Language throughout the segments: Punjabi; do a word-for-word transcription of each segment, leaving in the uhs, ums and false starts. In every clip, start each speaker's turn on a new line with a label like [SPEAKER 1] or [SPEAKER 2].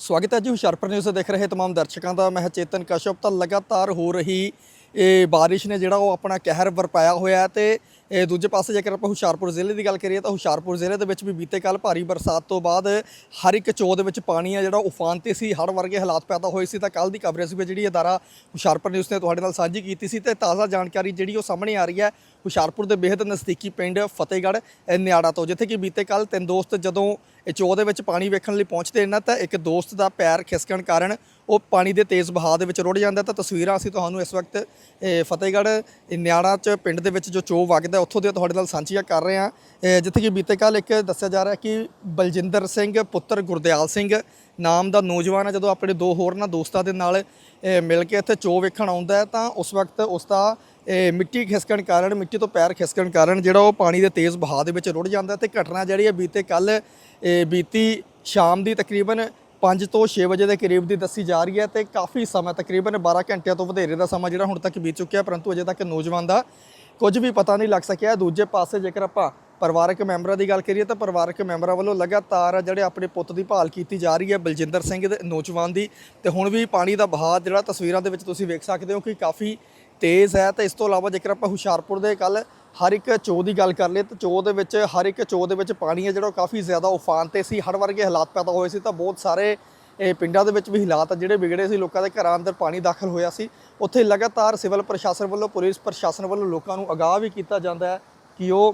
[SPEAKER 1] स्वागत है जी हुशियारपुर न्यूज़ देख रहे तमाम दर्शकों का। मैं चेतन कश्यप। तो लगातार हो रही ये बारिश ने जोड़ा अपना कहर वरपाया होया है। तो दूजे पासे जेकर आप हुशियारपुर जिले की गल करिए तो हुशियारपुर जिले के भी बीते कल भारी बरसात तो बाद हर एक चो के पानी है जो उफान ते सी, हड़ वर्गे हालात पैदा होए सी। तो कल की कवरेज भी जी अदारा हुशियारपुर न्यूज़ ने तुहाडे नाल साझी की सी। ताज़ा जानकारी जी सामने आ रही है हुशियारपुर के बेहद नज़दीकी पिंड फतेहगढ़ न्याड़ा तो, जिथे कि बीते कल तीन दोस्त जदों चो के पानी वेखण लई पहुँचते हैं तो एक दोस्त का पैर खिसकण कारण वो पानी के तेज़ बहाव के रुड़ जाता। तो तस्वीरां असीं तुहानूं इस वक्त फतेहगढ़ न्याड़ा च पिंड दे विच जो चो वगदा उत्थों दे तुहाडे नाल साझीआं कर रहे हैं। जिथे कि बीते कल एक दस्सिया जा रहा है कि बलजिंदर सिंह पुत्र गुरदयाल सिंह नाम का नौजवान है जो अपने दो होरना दोस्तों के नाल मिल के इत्थे चो वेखण आउंदा है तो उस वक्त उसका मिट्टी खिसकण कारण मिट्टी तो पैर खिसकण कारण जो वो पानी के तेज़ बहाव के रुड़ जाता है। तो घटना जी बीते कल बीती शाम की तकरीबन पाँच तो छे बजे के करीब की दसी जा रही है। तो काफ़ी समय तकरीबन बारह घंटे तो वधेरे का समा जो हुण तक बीत चुका है, परंतु अजे तक नौजवान का कुछ भी पता नहीं लग सकिया। दूजे पासे जेकर आप परिवारक मैंबरों की गल करिए तो परिवारक मैंबरों वालों लगातार जोड़े अपने पुत की भाल की जा रही है बलजिंदर सिंह दे नौजवान की। तो हुण भी पानी का बहाव जो तस्वीरों के तुसीं वेख सकते हो कि काफ़ी तेज़ है। तो इस तो इलावा जेकर आप हुशियारपुर के कल हर एक चो की गल कर ले तो चो के हर एक चो के पानी है जो काफ़ी ज़्यादा उफान ते सी, हड़ वर्गे हालात पैदा होए सी। तो बहुत सारे पिंडों के भी हालात जोड़े बिगड़े से, लोगों के घर अंदर पानी दाखिल होया सी। उत्थे लगातार सिविल प्रशासन वालों पुलिस प्रशासन वालों लोगों को आगाह भी किया जाता है कि वो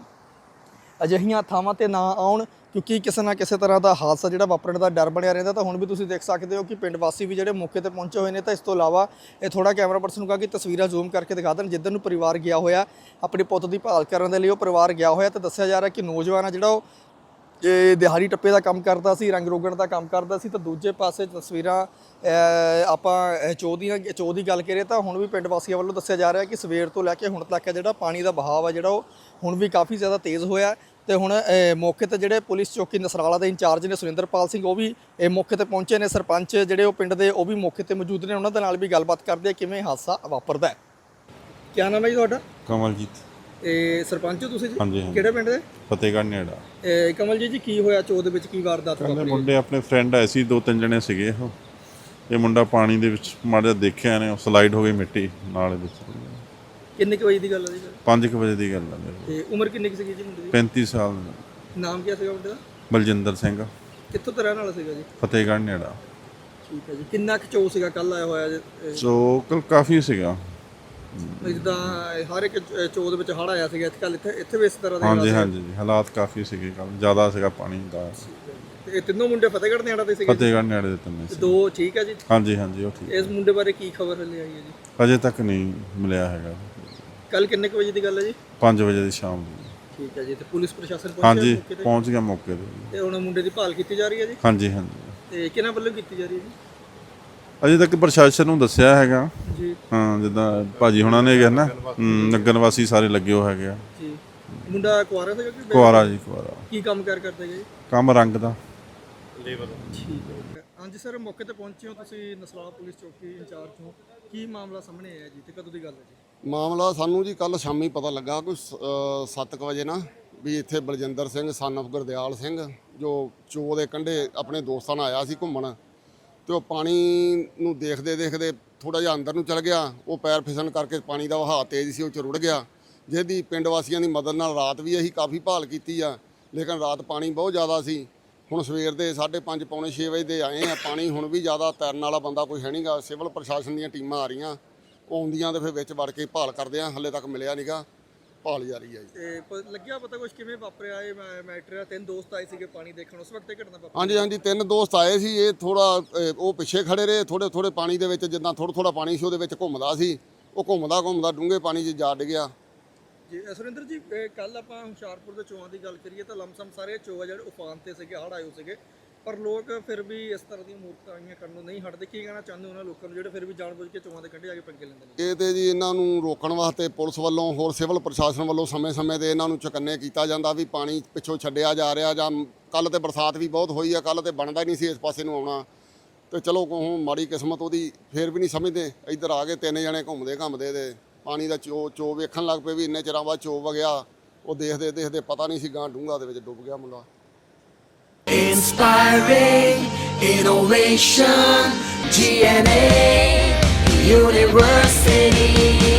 [SPEAKER 1] अजिहियां थावां ते ना आउण, क्योंकि किसी ना किसी तरह का हादसा जो वापरने का डर बनया रहा। तो हुण भी तुसीं देख सकते हो कि पिंड वासी भी जोड़े मौके पर पहुंचे हुए हैं। तो इस तो इलावा ये थोड़ा कैमरा पर्सन कहा कि तस्वीरें जूम करके दिखा दें जिधर परिवार गया होया अपने पुत की भाल करने के लिए परिवार गया होया। तो दस्सिया जा रहा है कि नौजवान है जो ये दिहाड़ी टप्पे का काम करता सी, रंग रोगण का काम करता सी। तो दूजे पासे तस्वीरां आपां चो दी चो की गल करिए तो हुण भी पिंड वासियों वालों दस्सिया जा रहा है कि सवेर तो लैके हुण तक जो पानी का बहाव है जो हुण भी काफ़ी ज़्यादा तेज़ होया। तो हुण मौके ते जिहड़े पुलिस चौकी नसराला के इंचार्ज ने सुरिंदरपाल सिंह वो भी मौके ते पहुंचे ने, सरपंच जिहड़े वो पिंड दे वो भी मौके ते मौजूद ने, उन्हां दे नाल भी गलबात करदे आ किवें हादसा वापरदा है। क्या नाम है जी तुहाडा?
[SPEAKER 2] कमलजीत।
[SPEAKER 1] ਇਹ ਸਰਪੰਚ ਹੋ ਤੁਸੀਂ ਜੀ?
[SPEAKER 2] ਹਾਂਜੀ ਹਾਂਜੀ।
[SPEAKER 1] ਕਿਹੜੇ ਪਿੰਡ ਦੇ?
[SPEAKER 2] ਫਤਿਹਗੜ੍ਹ ਨੇੜਾ।
[SPEAKER 1] ਇਹ ਕਮਲਜੀਤ ਜੀ ਕੀ ਹੋਇਆ ਚੋ ਦੇ ਵਿੱਚ, ਕੀ ਵਾਰਦਾਤ
[SPEAKER 2] ਕਹਿੰਦੇ
[SPEAKER 1] ਵਾਪਰੀ?
[SPEAKER 2] ਮੁੰਡੇ ਆਪਣੇ ਫਰੈਂਡ ਆਏ ਸੀ, ਦੋ ਤਿੰਨ ਜਣੇ ਸੀਗੇ ਉਹ। ਇਹ ਮੁੰਡਾ ਪਾਣੀ ਦੇ ਵਿੱਚ ਮਾੜਾ ਜਿਹਾ ਦੇਖਿਆ ਨੇ, ਸਲਾਈਡ ਹੋ ਗਈ ਮਿੱਟੀ ਨਾਲੇ ਵਿੱਚ।
[SPEAKER 1] ਕਿੰਨੇ ਕੁ ਵਜੇ ਦੀ ਗੱਲ ਹੈ ਜੀ?
[SPEAKER 2] ਪੰਜ ਕੁ ਵਜੇ ਦੀ ਗੱਲ ਹੈ ਮੇਰੇ।
[SPEAKER 1] ਤੇ ਉਮਰ ਕਿੰਨੀ ਕੁ ਸੀਗੀ ਜੀ ਮੁੰਡੇ ਦੀ?
[SPEAKER 2] ਪੈਂਤੀ ਸਾਲ।
[SPEAKER 1] ਨਾਮ ਕੀ ਸੀਗਾ ਮੁੰਡੇ ਦਾ?
[SPEAKER 2] ਬਲਜਿੰਦਰ ਸਿੰਘ।
[SPEAKER 1] ਕਿੱਥੋਂ ਦਾ ਰਹਿਣ ਵਾਲਾ ਸੀਗਾ ਜੀ?
[SPEAKER 2] ਫਤਿਹਗੜ੍ਹ ਨੇੜਾ।
[SPEAKER 1] ਠੀਕ ਹੈ ਜੀ। ਕਿੰਨਾ ਕੁ ਚੋ ਸੀਗਾ ਕੱਲ ਆਇਆ ਹੋਇਆ ਜੀ?
[SPEAKER 2] ਸੋ ਕੱਲ ਕਾਫੀ ਸੀਗਾ।
[SPEAKER 1] ਜਿੱਦਾਂ ਹਰ ਇੱਕ ਚੋ ਦੇ ਵਿੱਚ ਹੜ ਆਇਆ ਸੀਗਾ ਇੱਥੇ ਕੱਲ, ਇੱਥੇ ਇੱਥੇ ਵੀ ਇਸ ਤਰ੍ਹਾਂ ਦੇ
[SPEAKER 2] ਹਾਂਜੀ ਹਾਂਜੀ ਜੀ, ਹਾਲਾਤ ਕਾਫੀ ਸੀਗੇ ਕੱਲ, ਜ਼ਿਆਦਾ ਸੀਗਾ ਪਾਣੀ ਦਾ।
[SPEAKER 1] ਤੇ ਇਹ ਤਿੰਨੋਂ ਮੁੰਡੇ ਫਤਿਹਗੜ੍ਹ ਨੇੜਾ ਦੇ ਸੀਗੇ?
[SPEAKER 2] ਫਤਿਹਗੜ੍ਹ ਨੇੜੇ ਦੇ ਤਿੰਨੇ ਸੀ।
[SPEAKER 1] ਦੋ ਠੀਕ ਹੈ ਜੀ?
[SPEAKER 2] ਹਾਂਜੀ ਹਾਂਜੀ ਉਹ ਠੀਕ।
[SPEAKER 1] ਇਸ ਮੁੰਡੇ ਬਾਰੇ ਕੀ ਖਬਰ ਲਈ ਆਈ ਹੈ ਜੀ?
[SPEAKER 2] ਅਜੇ ਤੱਕ ਨਹੀਂ ਮਿਲਿਆ ਹੈਗਾ।
[SPEAKER 1] ਕੱਲ ਕਿੰਨੇ ਕੁ ਵਜੇ ਦੀ ਗੱਲ ਹੈ ਜੀ?
[SPEAKER 2] ਪੰਜ ਵਜੇ ਦੀ ਸ਼ਾਮ ਦੀ।
[SPEAKER 1] ਠੀਕ ਹੈ ਜੀ। ਤੇ ਪੁਲਿਸ ਪ੍ਰਸ਼ਾਸਨ ਪਹੁੰਚਿਆ
[SPEAKER 2] ਹਾਂਜੀ
[SPEAKER 1] ਮੌਕੇ ਤੇ?
[SPEAKER 2] ਪਹੁੰਚ ਗਿਆ ਮੌਕੇ ਤੇ।
[SPEAKER 1] ਤੇ ਹੁਣ ਮੁੰਡੇ ਦੀ ਭਾਲ ਕੀਤੀ ਜਾ ਰਹੀ ਹੈ ਜੀ?
[SPEAKER 2] ਹਾਂਜੀ ਹਾਂਜੀ।
[SPEAKER 1] ਤੇ ਕਿਹਨਾਂ ਵੱਲੋਂ ਕੀਤੀ ਜਾ ਰਹੀ ਹੈ ਜੀ?
[SPEAKER 2] ਅਜੇ ਤੱਕ ਪ੍ਰਸ਼ਾਸਨ ਨੂੰ ਦੱਸਿਆ ਹੈਗਾ
[SPEAKER 1] ਜੀ।
[SPEAKER 2] ਹਾਂ, ਜਿੱਦਾਂ ਭਾਜੀ ਹੁਣਾਂ ਨੇ ਕਿਹਾ ਨਾ, ਨਗਰ ਵਾਸੀ ਸਾਰੇ ਲੱਗੇ ਹੋ ਹੈਗੇ ਆ
[SPEAKER 1] ਜੀ। ਮੁੰਡਾ ਕੁਆਰਾ ਸੀਗਾ ਕਿ?
[SPEAKER 2] ਕੁਆਰਾ ਜੀ, ਕੁਆਰਾ।
[SPEAKER 1] ਕੀ ਕੰਮ ਕਾਰ ਕਰਦਾ ਜੀ?
[SPEAKER 2] ਕੰਮ ਰੰਗ ਦਾ।
[SPEAKER 1] ਠੀਕ ਹੈ। ਹਾਂਜੀ ਸਰ, ਮੌਕੇ ਤੇ ਪਹੁੰਚੇ ਹੋ ਤੁਸੀਂ, ਨਸਰਾਲਾ ਪੁਲਿਸ ਚੌਕੀ ਇੰਚਾਰਜ ਹੋ, ਕੀ ਮਾਮਲਾ ਸਾਹਮਣੇ ਆਇਆ ਜੀ ਤੇ ਕਦੋਂ ਦੀ ਗੱਲ ਹੈ ਜੀ?
[SPEAKER 3] ਮਾਮਲਾ ਸਾਨੂੰ ਜੀ ਕੱਲ ਸ਼ਾਮੀ ਪਤਾ ਲੱਗਾ ਕੋਈ ਸੱਤ ਕੁ ਵਜੇ ਨਾ ਵੀ ਇੱਥੇ ਬਲਜਿੰਦਰ ਸਿੰਘ ਸਨ ਆਫ ਗੁਰਦਿਆਲ ਸਿੰਘ ਜੋ ਚੋ ਦੇ ਕੰਢੇ ਆਪਣੇ ਦੋਸਤਾਂ ਨਾਲ ਆਇਆ ਸੀ ਘੁੰਮਣ, ਤੇ ਉਹ ਪਾਣੀ ਨੂੰ ਦੇਖਦੇ ਦੇਖਦੇ ਥੋੜਾ ਜਿਹਾ ਅੰਦਰ ਨੂੰ ਚਲ ਗਿਆ। ਉਹ ਪੈਰ ਫਿਸਲਣ ਕਰਕੇ ਪਾਣੀ ਦਾ ਵਹਾਅ ਤੇਜ਼ ਸੀ, ਉਹ 'ਚ ਰੁੜ ਗਿਆ। ਜਿਹਦੀ ਪਿੰਡ ਵਾਸੀਆਂ ਦੀ ਮਦਦ ਨਾਲ ਰਾਤ ਵੀ ਅਸੀਂ ਕਾਫੀ ਭਾਲ ਕੀਤੀ ਆ, ਲੇਕਿਨ ਰਾਤ ਪਾਣੀ ਬਹੁਤ ਜ਼ਿਆਦਾ ਸੀ। ਹੁਣ ਸਵੇਰ ਦੇ ਸਾਢੇ ਪੰਜ ਪੌਣੇ ਛੇ ਵਜੇ ਦੇ ਆਏ ਆ, ਪਾਣੀ ਹੁਣ ਵੀ ਜ਼ਿਆਦਾ, ਤੈਰਨ ਵਾਲਾ ਬੰਦਾ ਕੋਈ ਹੈ ਨਹੀਂਗਾ। ਸਿਵਲ ਪ੍ਰਸ਼ਾਸਨ ਦੀਆਂ ਟੀਮਾਂ ਆ ਰਹੀਆਂ, ਉਹ ਆਉਂਦੀਆਂ ਤੇ ਫਿਰ ਵਿੱਚ ਵੜ ਕੇ ਭਾਲ ਕਰਦੇ ਆ, ਹਾਲੇ ਤੱਕ ਮਿਲਿਆ ਨਹੀਂਗਾ, ਭਾਲ ਜਾਰੀ ਹੈ ਜੀ।
[SPEAKER 1] ਤੇ ਪ- ਲੱਗਿਆ ਪਤਾ ਕੁਝ ਕਿਵੇਂ ਵਾਪਰਿਆ ਇਹ ਮੈ- ਮੈਟਰ ਆ? ਤਿੰਨ ਦੋਸਤ ਆਏ ਸੀਗੇ ਪਾਣੀ ਦੇਖਣ, ਉਸ ਵਕਤ ਇਹ ਘਟਨਾ ਵਾਪਰੀ?
[SPEAKER 3] ਹਾਂਜੀ ਹਾਂਜੀ, ਤਿੰਨ ਦੋਸਤ ਆਏ ਸੀ। ਇਹ ਥੋੜਾ ਉਹ ਪਿੱਛੇ ਖੜੇ ਰਹੇ, ਥੋੜੇ ਥੋੜੇ ਪਾਣੀ ਦੇ ਵਿੱਚ, ਜਿੱਦਾਂ ਥੋੜਾ ਥੋੜਾ ਪਾਣੀ ਸੀ ਉਹਦੇ ਵਿੱਚ ਘੁੰਮਦਾ ਸੀ। ਉਹ ਘੁੰਮਦਾ ਘੁੰਮਦਾ ਡੂੰਘੇ ਪਾਣੀ 'ਚ ਜਾ ਡਿੱਗਿਆ।
[SPEAKER 1] ਜੀ ਸੁਰਿੰਦਰ ਜੀ, ਕੱਲ ਆਪਾਂ ਹੁਸ਼ਿਆਰਪੁਰ ਦੇ ਚੋਆਂ ਦੀ ਗੱਲ ਕਰੀਏ ਤਾਂ ਲਮਸਮ ਸਾਰੇ ਚੋ ਆ ਜਿਹੜੇ ਉਫਾਨ ਤੇ ਸੀਗੇ, ਹੜ ਆਏ ਸੀਗੇ, ਪਰ ਲੋਕ ਫਿਰ ਵੀ ਇਸ ਤਰ੍ਹਾਂ ਦੀਆਂ ਮੂਰਤਾਂ ਕਰਨ ਨੂੰ ਨਹੀਂ ਹਟਦੇ। ਕੀ ਕਹਿਣਾ ਚਾਹੁੰਦੇ ਉਹਨਾਂ ਲੋਕਾਂ ਨੂੰ ਜਿਹੜੇ ਫਿਰ ਵੀ ਜਾਣਬੁੱਝ ਕੇ ਚੋਆਂ ਦੇ ਕੰਢੇ ਜਾ ਕੇ ਪੰਗੇ ਲੈਂਦੇ ਨੇ?
[SPEAKER 3] ਇਹ ਤੇ ਜੀ ਇਹਨਾਂ ਨੂੰ ਰੋਕਣ ਵਾਸਤੇ ਪੁਲਿਸ ਵੱਲੋਂ, ਹੋਰ ਸਿਵਲ ਪ੍ਰਸ਼ਾਸਨ ਵੱਲੋਂ ਸਮੇਂ-ਸਮੇਂ ਤੇ ਇਹਨਾਂ ਨੂੰ ਚੁਕੰਨੇ ਕੀਤਾ ਜਾਂਦਾ ਵੀ ਪਾਣੀ ਪਿੱਛੋਂ ਛੱਡਿਆ ਜਾ ਰਿਹਾ। ਜਾਂ ਕੱਲ ਤੇ ਬਰਸਾਤ ਵੀ ਬਹੁਤ ਹੋਈ ਆ, ਕੱਲ ਤੇ ਬਣਦਾ ਹੀ ਨਹੀਂ ਸੀ ਇਸ ਪਾਸੇ ਨੂੰ ਆਉਣਾ। ਤੇ ਚਲੋ ਕੋਹ ਮਾੜੀ ਕਿਸਮਤ ਉਹਦੀ, ਫਿਰ ਵੀ ਨਹੀਂ ਸਮਝਦੇ। ਇੱਧਰ ਆ ਕੇ ਤਿੰਨ ਜਣੇ ਘੁੰਮਦੇ ਘੁੰਮਦੇ ਤੇ ਪਾਣੀ ਦਾ ਚੋ ਚੋ ਵੇਖਣ ਲੱਗ ਪਏ ਵੀ ਇੰਨੇ ਚਿਰਾਂ ਬਾਅਦ ਚੋ ਵਗਿਆ। ਉਹ ਦੇਖਦੇ ਦੇਖਦੇ ਪਤਾ ਨਹੀਂ ਸੀ ਗਾਂ ਡੂੰਘਾ ਦੇ ਵਿੱਚ ਡੁੱਬ ਗਿਆ ਮੁੰਡਾ।
[SPEAKER 4] Inspiring Innovation, G N A University.